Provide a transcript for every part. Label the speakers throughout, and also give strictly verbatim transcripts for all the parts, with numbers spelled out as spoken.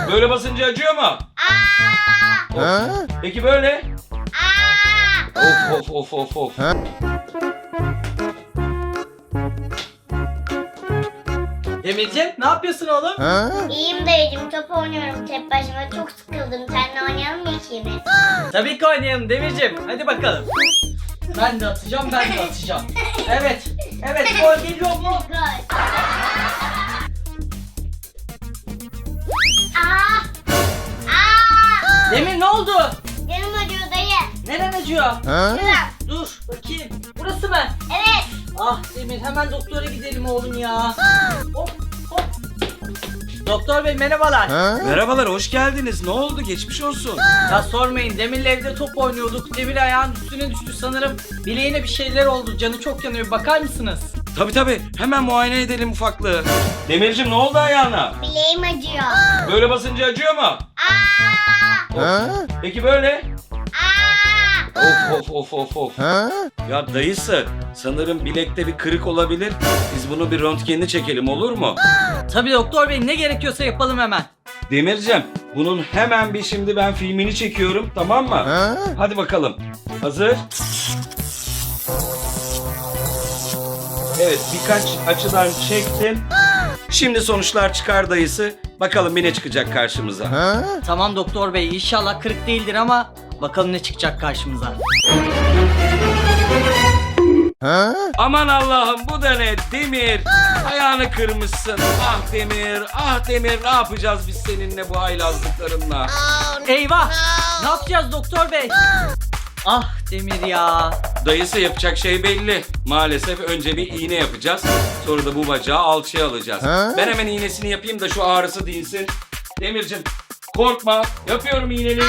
Speaker 1: Böyle basınca acıyor mu?
Speaker 2: Aa!
Speaker 1: Of. Peki böyle?
Speaker 2: Aa!
Speaker 1: Of of of of of.
Speaker 3: Demircim ne yapıyorsun oğlum?
Speaker 2: İyiyim dayıcım, top oynuyorum tek başıma, çok sıkıldım. Seninle oynayalım mı ikimiz?
Speaker 3: Tabii ki oynayalım Demircim. Hadi bakalım. Ben de atacağım, ben de atacağım. Evet, evet gol geliyor mu?
Speaker 2: Gol. Aa! Aa!
Speaker 3: Demir ne oldu?
Speaker 2: Canım acıyor dayı.
Speaker 3: Neren acıyor?
Speaker 2: Şuram.
Speaker 3: Dur bakayım. Burası mı?
Speaker 2: Evet.
Speaker 3: Ah Demir hemen doktora gidelim oğlum ya. Hop hop. Doktor bey merhabalar.
Speaker 1: Merhabalar, hoş geldiniz. Ne oldu? Geçmiş olsun.
Speaker 3: Ya sormayın, Demir'le evde top oynuyorduk. Demir ayağın üstüne düştü sanırım. Bileğine bir şeyler oldu. Canı çok yanıyor. Bakar mısınız?
Speaker 1: Tabii tabii. Hemen muayene edelim ufaklığı. Demircim ne oldu ayağına?
Speaker 2: Bileğim acıyor.
Speaker 1: Böyle basınca acıyor mu?
Speaker 2: Aa!
Speaker 1: Peki böyle?
Speaker 2: Aa!
Speaker 1: Of of of of of. Ya dayısı, sanırım bilekte bir kırık olabilir. Biz bunu bir röntgenini çekelim, olur mu?
Speaker 3: Tabii doktor bey, ne gerekiyorsa yapalım hemen.
Speaker 1: Demircim, bunun hemen bir şimdi ben filmini çekiyorum, tamam mı? Hadi bakalım. Hazır. Evet, birkaç açıdan çektim. Şimdi sonuçlar çıkar dayısı. Bakalım bir ne çıkacak karşımıza.
Speaker 3: Tamam doktor bey, inşallah kırık değildir ama bakalım ne çıkacak karşımıza.
Speaker 1: Aman Allah'ım, bu da ne? Demir, ayağını kırmışsın. Ah Demir, ah Demir, ne yapacağız biz seninle bu haylazlıklarınla?
Speaker 3: Eyvah! Ne yapacağız doktor bey? Ah Demir ya.
Speaker 1: Dayısı, yapacak şey belli. Maalesef önce bir iğne yapacağız. Sonra da bu bacağı alçıya alacağız. Ben hemen iğnesini yapayım da şu ağrısı dinsin. Demircim, korkma. Yapıyorum iğneni.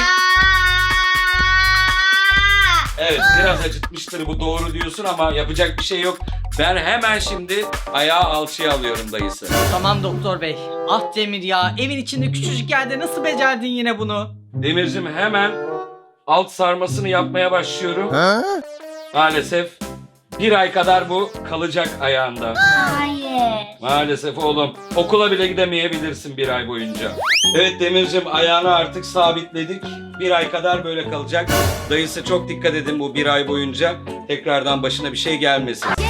Speaker 1: Evet, biraz acıtmıştır, bu doğru diyorsun ama yapacak bir şey yok. Ben hemen şimdi ayağı alçıya alıyorum dayısı.
Speaker 3: Tamam doktor bey. Ah Demir ya, evin içinde küçücük yerde nasıl becerdin yine bunu?
Speaker 1: Demircim, hemen alt sarmasını yapmaya başlıyorum. Maalesef bir ay kadar bu kalacak ayağında.
Speaker 2: Hayır.
Speaker 1: Maalesef oğlum, okula bile gidemeyebilirsin bir ay boyunca. Evet Demircim, ayağını artık sabitledik. Bir ay kadar böyle kalacak. Dayısı, çok dikkat edin bu bir ay boyunca. Tekrardan başına bir şey gelmesin.